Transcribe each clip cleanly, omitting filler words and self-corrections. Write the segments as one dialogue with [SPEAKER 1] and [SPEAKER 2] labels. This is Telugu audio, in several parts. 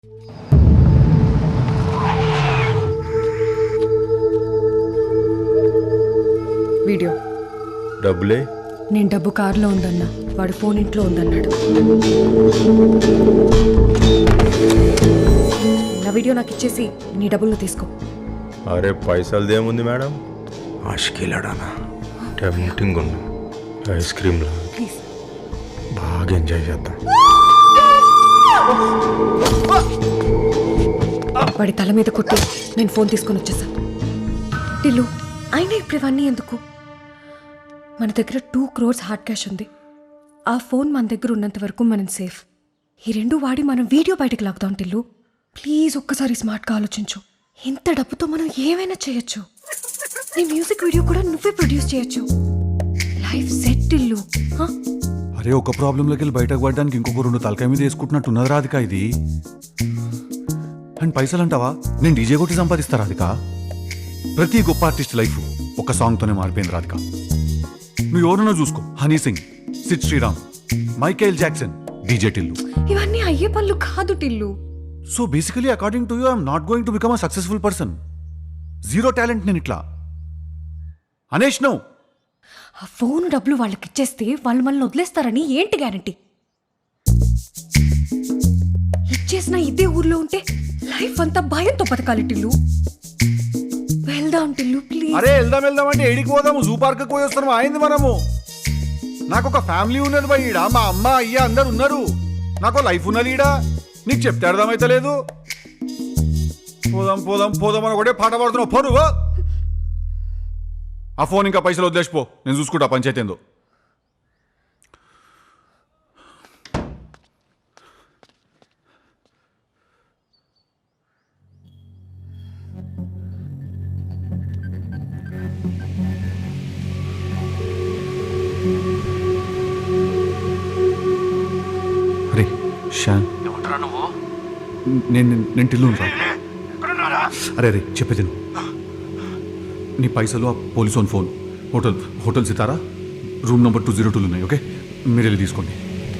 [SPEAKER 1] వీడియో
[SPEAKER 2] డబ్బులే
[SPEAKER 1] నేను డబ్బు కారులో ఉందన్నా, వాడి ఫోన్ ఇంట్లో ఉందన్నాడు. నా వీడియో నాకు ఇచ్చేసి నీ డబ్బులు తీసుకో.
[SPEAKER 2] అరే పైసలదేముంది మేడం, ఆశకెళ్ళాడానా టెంప్టింగ్ ఉంది. ఐస్ క్రీమ్లా
[SPEAKER 1] ప్లీజ్.
[SPEAKER 2] బాగా ఎంజాయ్ చేద్దాం.
[SPEAKER 1] వాడి తల మీద కొట్టి నేను ఫోన్ తీసుకొని వచ్చేసా. టిల్లు అయినా ఇప్పుడు ఇవన్నీ ఎందుకు? మన దగ్గర 2 crores హార్డ్ క్యాష్ ఉంది. ఆ ఫోన్ మన దగ్గర ఉన్నంత వరకు మనం సేఫ్. ఈ రెండు వాడి మనం వీడియో బయటకు లాగుదాం. టిల్లు ప్లీజ్ ఒక్కసారి స్మార్ట్గా ఆలోచించు. ఇంత డబ్బుతో మనం ఏమైనా చేయొచ్చు. నీ మ్యూజిక్ వీడియో కూడా నువ్వే ప్రొడ్యూస్ చేయొచ్చు. Life set Tillu.
[SPEAKER 3] అరే ఒక ప్రాబ్లంలోకి వెళ్ళి బయటకు పడడానికి ఇంకొక 2 తలకాయ మీద వేసుకుంటున్నట్టు ఉన్నది రాధిక ఇది. అండ్ పైసలు అంటావా, నేను డీజే కొట్టి సంపాదిస్తా రాధిక. ప్రతి గొప్ప ఆర్టిస్ట్ లైఫ్ ఒక సాంగ్తోనే మారిపోయింది రాధిక. నువ్వు ఎవరున్నా చూసుకో, Honey Singh, Sid Sriram, Michael Jackson, DJ Tillu.
[SPEAKER 1] ఇవన్నీ అయ్యే పనులు కాదు Tillu.
[SPEAKER 3] So basically according to you I'm not going to become a successful person. Zero talent నేను ఇట్లా అనేష్ నో.
[SPEAKER 1] ఆ ఫోన్ డబ్బులు వాళ్ళకి ఇచ్చేస్తే వాళ్ళు మనల్ని వదిలేస్తారని ఏంటి గ్యారంటీ? ఇచ్చేసిన ఇదే ఊర్లో ఉంటే లైఫ్ అంతా భయంతో బతకాలి టిల్లు. వెళ్దాం టిల్లు ప్లీజ్.
[SPEAKER 3] అరే వెళ్దాం అంటే ఏడికి పోదాము? జూ పార్క్ పోయి వస్తాము అయింది మనము. నాకు ఒక ఫ్యామిలీ ఉన్నది బా ఈడ, మా అమ్మ అయ్య అందరు ఉన్నారు. నాకు లైఫ్ ఉన్నది ఈడ, నీకు చెప్తే అర్థమైతే లేదు. పోదాం పోదాం పోదాం అని ఒకటే పాట పాడుతున్నావు. ఫోను ఆ ఫోన్ ఇంకా పైసలు వదిలేసిపో, నేను చూసుకుంటా పంచాయతీ ఏందో. అరే షాన్, నేను టిల్లు రా. అరే అరే చెప్పేది నువ్వు. నీ పైసలు ఆ police own phone, hotel Sitara, room number 202 ఉన్నాయి. ఓకే, మీరు వెళ్ళి తీసుకోండి.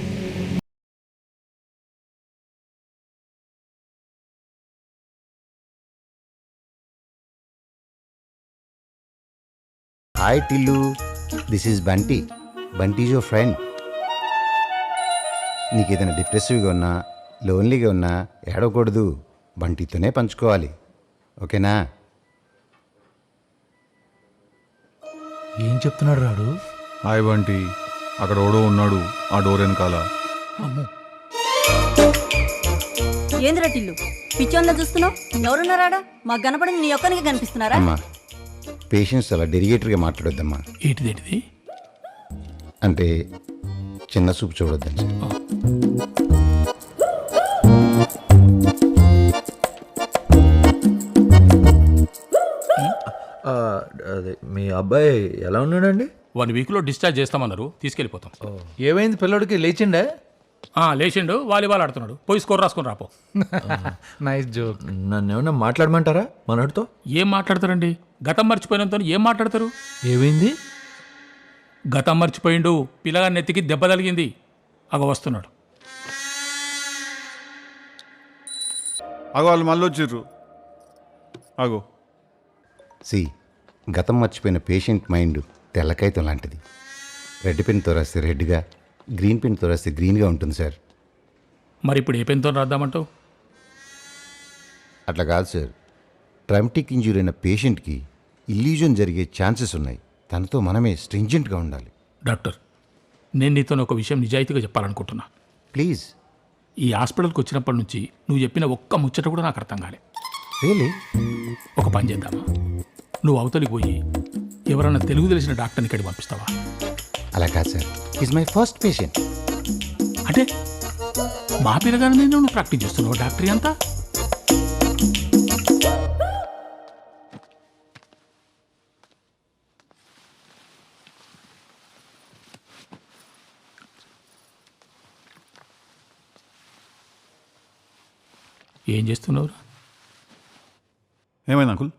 [SPEAKER 4] Hi Tillu, this is Bunty. Bunty is your friend. నీకు ఏదైనా డిప్రెసివ్గా ఉన్నా, లోన్లీగా ఉన్నా ఏడవకూడదు, బంటితోనే పంచుకోవాలి. ఓకేనా?
[SPEAKER 5] ఏం చెప్తున్నాడు రాడు?
[SPEAKER 3] హాయ్ బంటి, అక్కడ ఓడో ఉన్నాడు ఆ డోర్ వెనకాల.
[SPEAKER 6] ఏందిరా టిల్లు పిచ్చోన్లా చూస్తున్నావు? ఎవరున్నారాడా? మాకు కనపడింది నీ ఒక్కనికి కనిపిస్తున్నారా?
[SPEAKER 4] అమ్మా, పేషెంట్స్ అలా డెరిగేటర్గా మాట్లాడొద్దమ్మా.
[SPEAKER 5] ఏంటిదేంటిది?
[SPEAKER 4] అంటే చిన్న చూపు చూడొద్దని.
[SPEAKER 2] అదే మీ అబ్బాయి ఎలా ఉన్నాడండి?
[SPEAKER 7] 1 weekలో డిశ్చార్జ్ చేస్తామన్నారు, తీసుకెళ్ళిపోతాం.
[SPEAKER 5] ఏమైంది పిల్లడికి? లేచిండే?
[SPEAKER 7] లేచిండు, వాలీబాల్ ఆడుతున్నాడు. పోయి స్కోర్ రాసుకొని రాపో.
[SPEAKER 5] Nice joke.
[SPEAKER 2] నన్ను ఏమన్నా మాట్లాడమంటారా మనోడితో?
[SPEAKER 7] ఏం మాట్లాడతారండి? గతం మర్చిపోయినంతో ఏం మాట్లాడతారు?
[SPEAKER 5] ఏమైంది?
[SPEAKER 7] గతం మర్చిపోయిండు, పిల్లగాని నెత్తికి దెబ్బ తగిలింది, అగ వస్తున్నాడు.
[SPEAKER 3] అగో వాళ్ళు మళ్ళీ వచ్చిర్రు. అగో
[SPEAKER 4] గతం మర్చిపోయిన పేషెంట్ మైండ్ తెల్లకాయతం లాంటిది. రెడ్ పెన్తో రాస్తే రెడ్గా, గ్రీన్ పెన్తో రాస్తే గ్రీన్గా ఉంటుంది సార్.
[SPEAKER 7] మరి ఇప్పుడు ఏ పెన్తో రాద్దామంటావు?
[SPEAKER 4] అట్లా కాదు సార్, ట్రామాటిక్ ఇంజ్యూరీ అయిన పేషెంట్కి ఇల్యూజన్ జరిగే ఛాన్సెస్ ఉన్నాయి. తనతో మనమే స్ట్రింజెంట్గా ఉండాలి.
[SPEAKER 7] డాక్టర్, నేను నీతో ఒక విషయం నిజాయితీగా చెప్పాలనుకుంటున్నా.
[SPEAKER 4] ప్లీజ్.
[SPEAKER 7] ఈ హాస్పిటల్కి వచ్చినప్పటి నుంచి నువ్వు చెప్పిన ఒక్క ముచ్చట కూడా నాకు అర్థం కాలే.
[SPEAKER 4] రియలీ?
[SPEAKER 7] ఒక పని చేద్దామా, నువ్వు అవతలికి పోయి ఎవరన్నా తెలుగు తెలిసిన డాక్టర్ని ఇక్కడికి పంపిస్తావా?
[SPEAKER 4] అలా కాదు sir, is my first patient.
[SPEAKER 7] అంటే మా పిల్లగానే నువ్వు ప్రాక్టీస్ చేస్తున్నావు డాక్టరీ అంతా? ఏం చేస్తున్నావురా?
[SPEAKER 3] ఏమైంది అంకుల్?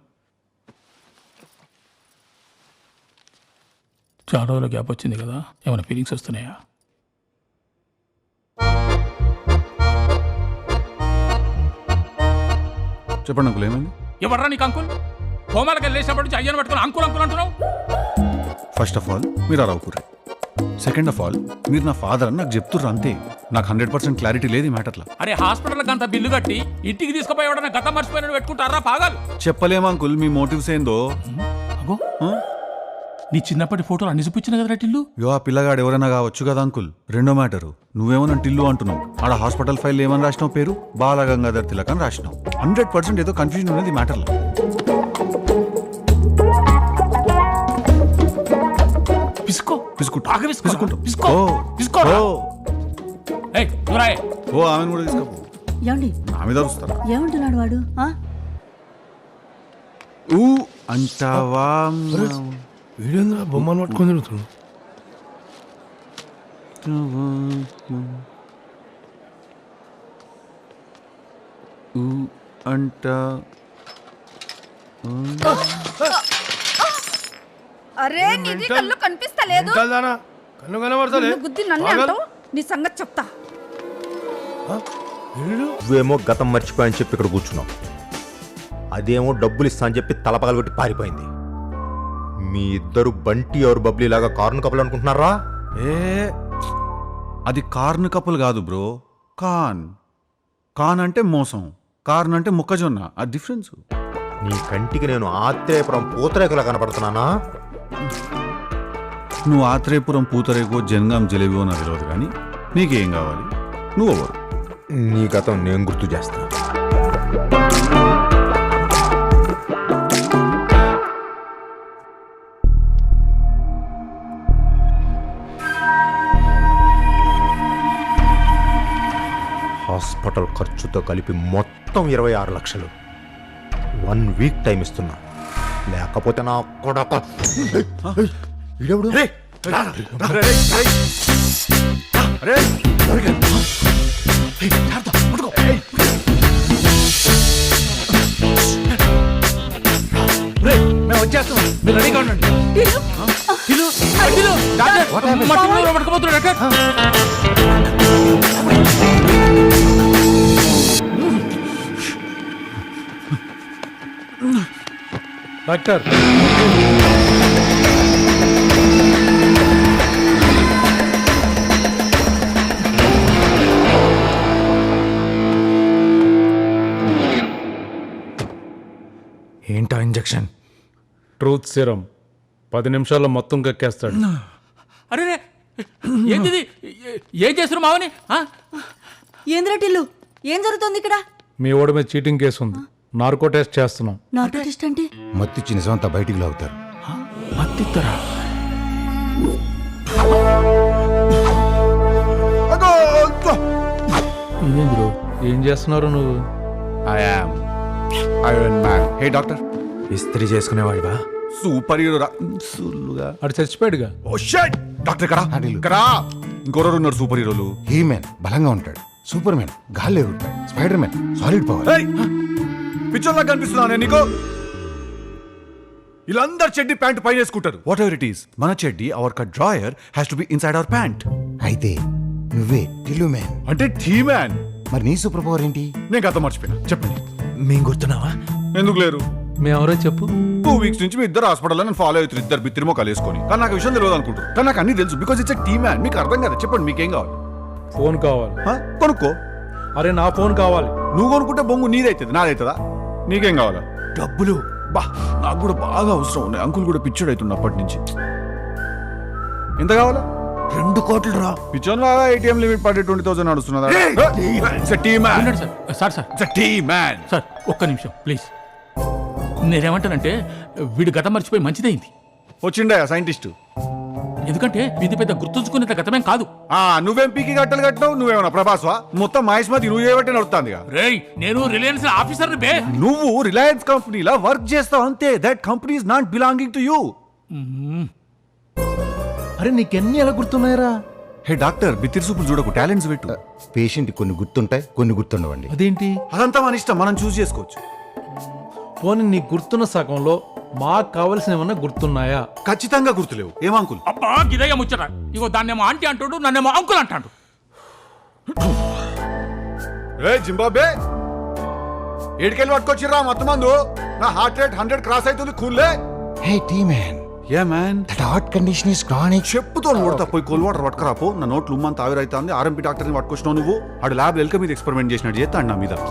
[SPEAKER 7] చాలా రోజుల గ్యాప్ వచ్చింది కదా, ఏమైనా ఫీలింగ్స్ వస్తున్నాయా?
[SPEAKER 3] చెప్పండి అంకుల్ ఏమైంది?
[SPEAKER 7] ఎవర్రా నీకు అంకుల్? హోమాలకు వెళ్ళేసినప్పటి నుంచి అయ్యను పట్టుకుని అంకుల్ అంకుల్ అంటున్నావు.
[SPEAKER 3] ఫస్ట్ ఆఫ్ ఆల్ మీరు అరవకూరే. సెకండ్ ఆఫ్ ఆల్ మీరు నా ఫాదర్ అని నాకు చెప్తుర్రు అంతే. నాకు 100% క్లారిటీ లేదు ఈ మ్యాటర్లో.
[SPEAKER 7] అరే హాస్పిటల్కి అంత బిల్లు కట్టి ఇంటికి తీసుకుపోయి ఎవడన్నా గతం మర్చిపోయిన పెట్టుకుంటారా పాగాలు?
[SPEAKER 3] చెప్పలేము అంకుల్ మీ మోటివ్స్ ఏందో.
[SPEAKER 7] అగో నీ చిన్నప్పటి ఫోటోలు అన్ని చూపించిన కదా టిల్లు.
[SPEAKER 3] యో ఆ పిల్లగాడు ఎవరైనా కావచ్చు కదా అంకుల్. రెండో మ్యాటరు నువ్వేమో నన్ను టిల్లు అంటున్నావు. ఆడ హాస్పిటల్ ఫైల్ ఏమని రాసినావు? పేరు బాలగంగాధర్ తిలక్ అని రాసినావు. 100% ఏదో కన్ఫ్యూజన్ ఉన్నది ఈ మ్యాటర్లో.
[SPEAKER 7] పిసుకో
[SPEAKER 3] పిసుకుంటా.
[SPEAKER 7] బాగా పిసుకుంటా. పిసుకో
[SPEAKER 3] ఓ,
[SPEAKER 7] పిసుకోరా.
[SPEAKER 3] ఓ,
[SPEAKER 7] ఏయ్ నువ్వురాయే.
[SPEAKER 3] ఓ ఆమెను కూడా తీసుకోపో.
[SPEAKER 6] ఏమండి
[SPEAKER 3] నా మీద అరుస్తారా?
[SPEAKER 6] ఏమంటున్నాడు వాడు?
[SPEAKER 3] ఊ అంటావా?
[SPEAKER 5] వీడేంద్ర బొమ్మను పట్టుకొని తిరుగుతున్నాడు.
[SPEAKER 3] ఊ అంటా
[SPEAKER 8] అరే నీది కళ్ళు కనిపిస్తలేదు.
[SPEAKER 5] కల్దానా కన్ను కనబడతలే.
[SPEAKER 8] నిన్ను గుద్ది నన్ను అంటావు. నీ సంగతి చెప్తా.
[SPEAKER 2] నువ్వేమో గతం మర్చిపోయని చెప్పి ఇక్కడ కూర్చున్నావు, అదేమో డబ్బులు ఇస్తా అని చెప్పి తలపగలు పెట్టి పారిపోయింది. మీ ఇద్దరు బంటి ఎవరు బబ్లీ లాగా కారును కప్పలు అనుకుంటున్నారా?
[SPEAKER 3] ఏ అది కార్న్ కప్పులు కాదు బ్రో. కాన్ కాన్ అంటే మోసం, కార్న్ అంటే మొక్కజొన్న. ఆ డిఫరెన్స్.
[SPEAKER 2] నీ కంటికి నేను ఆత్రేయపురం పూతరేకులా కనపడుతున్నానా?
[SPEAKER 3] నువ్వు ఆత్రేయపురం పూతరేకో జనగాం జలేబియో నాకు తెలియదు కానీ నీకేం కావాలి? నువ్వు ఎవరు?
[SPEAKER 2] నీ గతం నేను గుర్తు చేస్తాను. హాస్పిటల్ ఖర్చుతో కలిపి మొత్తం 26 లక్షలు. 1 వీక్ టైం ఇస్తున్నా, లేకపోతే నా కొడక. ఈడెవడు?
[SPEAKER 5] మేము వచ్చేస్తాం, మీరు రెడీగా ఉండండి.
[SPEAKER 7] టిల్లు టిల్లు డాక్టర్ మా టిల్లు పట్టుకుపోతున్నాడు డాక్టర్.
[SPEAKER 5] డాక్టర్ ఏంటా ఇంజెక్షన్?
[SPEAKER 9] ట్రూత్ సిరం 10 నిమిషాల్లో మొత్తం కక్కేస్తాడు.
[SPEAKER 7] అరే రే, ఏంది ఇది? ఏం చేస్తున్నారు మావని?
[SPEAKER 6] ఏంద్రా టిల్లు, ఏం జరుగుతుంది ఇక్కడ?
[SPEAKER 9] మీ ఓడి మీద చీటింగ్ కేసు ఉంది, నార్కో టెస్ట్ చేస్తున్నాం.
[SPEAKER 6] నార్కో టెస్ట్ అంటే?
[SPEAKER 4] మత్తిచ్చి నిజమంతా బయటికి లాగుతారు.
[SPEAKER 7] మత్తిత్తరా?
[SPEAKER 9] ఇదేంద్రు ఏం చేస్తున్నారు నువ్వు?
[SPEAKER 3] Iron man. Hey doctor.
[SPEAKER 2] ఇస్త్రీ చేసుకునేవాడివా?
[SPEAKER 3] Super hero సుల్లుగా.
[SPEAKER 9] అటు చచ్చిపోయాడుగా.
[SPEAKER 3] ఓ షట్. డాక్టర్ కరా కరా. ఇంకొరరు ఉన్నారు సూపర్ హీరోలు.
[SPEAKER 4] హీ మ్యాన్ బలంగా ఉంటాడు, సూపర్ మ్యాన్ గాల్లో ఎగురుతాడు, స్పైడర్ మ్యాన్ సాలిడ్ పవర్.
[SPEAKER 3] పిక్చర్లా కనిపిస్తున్నా నీకు? వీళ్ళందరు చెడ్డి ప్యాంట్ పైన వేసుకుంటారు. వాట్ ఎవర్ ఇట్ ఈస్, మన చెడ్డి our cut drawer has to be inside our pant.
[SPEAKER 4] అయితే నువ్వే టిల్లు మ్యాన్.
[SPEAKER 3] అంటే టీ మ్యాన్.
[SPEAKER 4] మరి నీ సూపర్ పవర్ ఏంటి?
[SPEAKER 3] నేను గత మర్చిపోయినా. చెప్పండి.
[SPEAKER 5] మేము గుర్తున్నావా?
[SPEAKER 3] ఎందుకు లేరు?
[SPEAKER 9] మేమెవరో చెప్పు.
[SPEAKER 3] 2 వీక్స్ నుంచి మీ ఇద్దరు హాస్పిటల్లో నేను ఫాలో అవుతారు, ఇద్దరు బిత్తిరి మొక్కలు వేసుకొని. కానీ నాకు విషయం తెలియదు అనుకుంటారు, కానీ నాకు అన్ని తెలుసు. Because it's T man. మీకు అర్థం కదా. చెప్పండి మీకేం కావాలి?
[SPEAKER 9] ఫోన్ కావాలి.
[SPEAKER 3] కొనుక్కో.
[SPEAKER 9] అరే నా ఫోన్ కావాలి.
[SPEAKER 3] నువ్వు కొనుక్కుంటే బొంగు నీదైతుంది, నాదైతుందా? నీకేం కావాలా? డబ్బులు. బా నాకు కూడా బాగా అవసరం ఉన్నాయి. అంకుల్ కూడా పిచ్చోడు అవుతుంది అప్పటి నుంచి. ఎంత కావాలా?
[SPEAKER 5] 2 కోట్లు రా.
[SPEAKER 3] పిచ్చోన్ లాగా ATM లిమిట్ పడి 20,000 నడుస్తున్నదా?
[SPEAKER 7] ఉండండి సార్. సార్ సార్ ఒక్క నిమిషం ప్లీజ్. నేనేమంటానంటే వీడు గతం మర్చిపోయి మంచిదైంది.
[SPEAKER 3] వచ్చిండా సైంటిస్ట్?
[SPEAKER 7] ఎందుకంటే ఇది పెద్ద గుర్తుంచుకునేంత గతమేం కాదు.
[SPEAKER 3] నువ్వేం పీకి గట్టలు కట్టినావు? నువ్వేమన్నా ప్రభాస్వా? మొత్తం మహేష్మతి నువ్వు చేయబట్టి నడుస్తుంది.
[SPEAKER 7] రేయ్ నేను రిలయన్స్ ఆఫీసర్ బే.
[SPEAKER 3] నువ్వు రిలయన్స్ కంపెనీలా వర్క్ చేస్తావు అంతే. That company is not belonging to you.
[SPEAKER 5] అరే నీకెన్ని ఎలా గుర్తున్నాయరా?
[SPEAKER 3] హే డాక్టర్, బిత్తిరి సూపులు చూడకు, టాలెంట్స్ పెట్టు.
[SPEAKER 4] పేషెంట్ కొన్ని గుర్తుంటాయి, కొన్ని గుర్తుండవండి.
[SPEAKER 5] అదేంటి?
[SPEAKER 3] అదంతా మన ఇష్టం, మనం చూస్ చేసుకోవచ్చు.
[SPEAKER 9] పోనీ నీకు గుర్తున్న సగంలో మాకు కావలసిన ఏమన్నా గుర్తున్నాయా?
[SPEAKER 3] ఖచ్చితంగా గుర్తులేవు. ఏమంకుల్?
[SPEAKER 7] అబ్బా గిదయ్య ముచ్చట. ఇగో దాన్నేమో ఆంటీ అంటాడు, నన్నేమో అంకుల్ అంటాడు.
[SPEAKER 3] జింబాబే ఏడికెళ్ళి పట్టుకొచ్చిర్రా మొత్తం మందు నా హార్ట్ రేట్ 100 క్రాస్ అవుతుంది కూల్లే
[SPEAKER 4] హే టీ మ్యాన్
[SPEAKER 3] ఏ man
[SPEAKER 4] that heart condition is chronic.
[SPEAKER 3] చెప్పుతో కొడతా పోయి కోల్ వాటర్ పట్టుకురాపో నా నోట్లు ఉమ్మంత ఆవిరైతుంది ఆర్ఎంపీ డాక్టర్ని పట్టుకొచ్చినావు నువ్వు ఆడు ల్యాబ్ ఎల్క మీద ఎక్స్పెరిమెంట్ చేసినట్టు చేస్తాడు నా మీద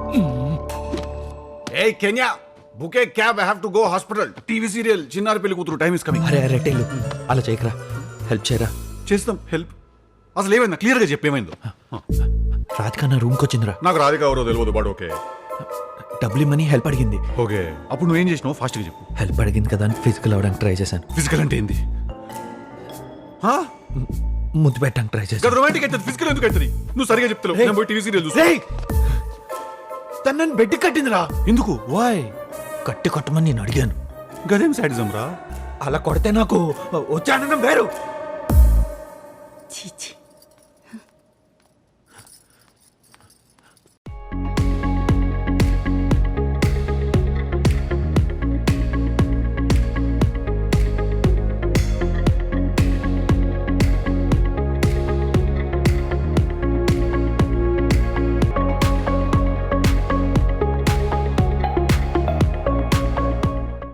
[SPEAKER 3] hey can you book a cab I have to go hospital TV serial Chinnari Pelli కూతురు టైం ఇస్ కమింగ్
[SPEAKER 5] అరే అరే టీలు అలా చేయకరా, హెల్ప్ చేయరా.
[SPEAKER 3] చేస్తాం హెల్ప్ అసలు ఏమైందా క్లియర్ గా చెప్పేమైందో
[SPEAKER 5] రాధిక నా రూమ్కి వచ్చిందిరా.
[SPEAKER 3] నాకు రాధిక ఎవరో తెలియదు బట్ ఓకే
[SPEAKER 5] డబ్బులు ఇమ్మని హెల్ప్ అడిగింది.
[SPEAKER 3] ఓకే అప్పుడు నువ్వేం చేసినావు ఫాస్ట్ గా చెప్పు
[SPEAKER 5] హెల్ప్ అడిగింది కదా అని ఫిజికల్ అవ్వడానికి ట్రై చేశాను.
[SPEAKER 3] ఫిజికల్ అంటే ఏంది
[SPEAKER 5] ముద్దు పెట్టడానికి ట్రై చేశాను.
[SPEAKER 3] రొమాంటిక్ అయితే ఫిజికల్ ఎందుకు అవుతుంది నువ్వు సరిగా చెప్తావు నేను పోయి టీవీ సీరియల్ చూస్తా
[SPEAKER 5] తను నన్ను బెడ్ కట్టిందిరా.
[SPEAKER 3] ఎందుకు
[SPEAKER 5] వాయ్ కట్టి కొట్టమని నేను అడిగాను.
[SPEAKER 3] గదేం సాడిజం రా
[SPEAKER 5] అలా కొడితే నాకు వచ్చే ఆనందం వేరు.
[SPEAKER 6] చీచి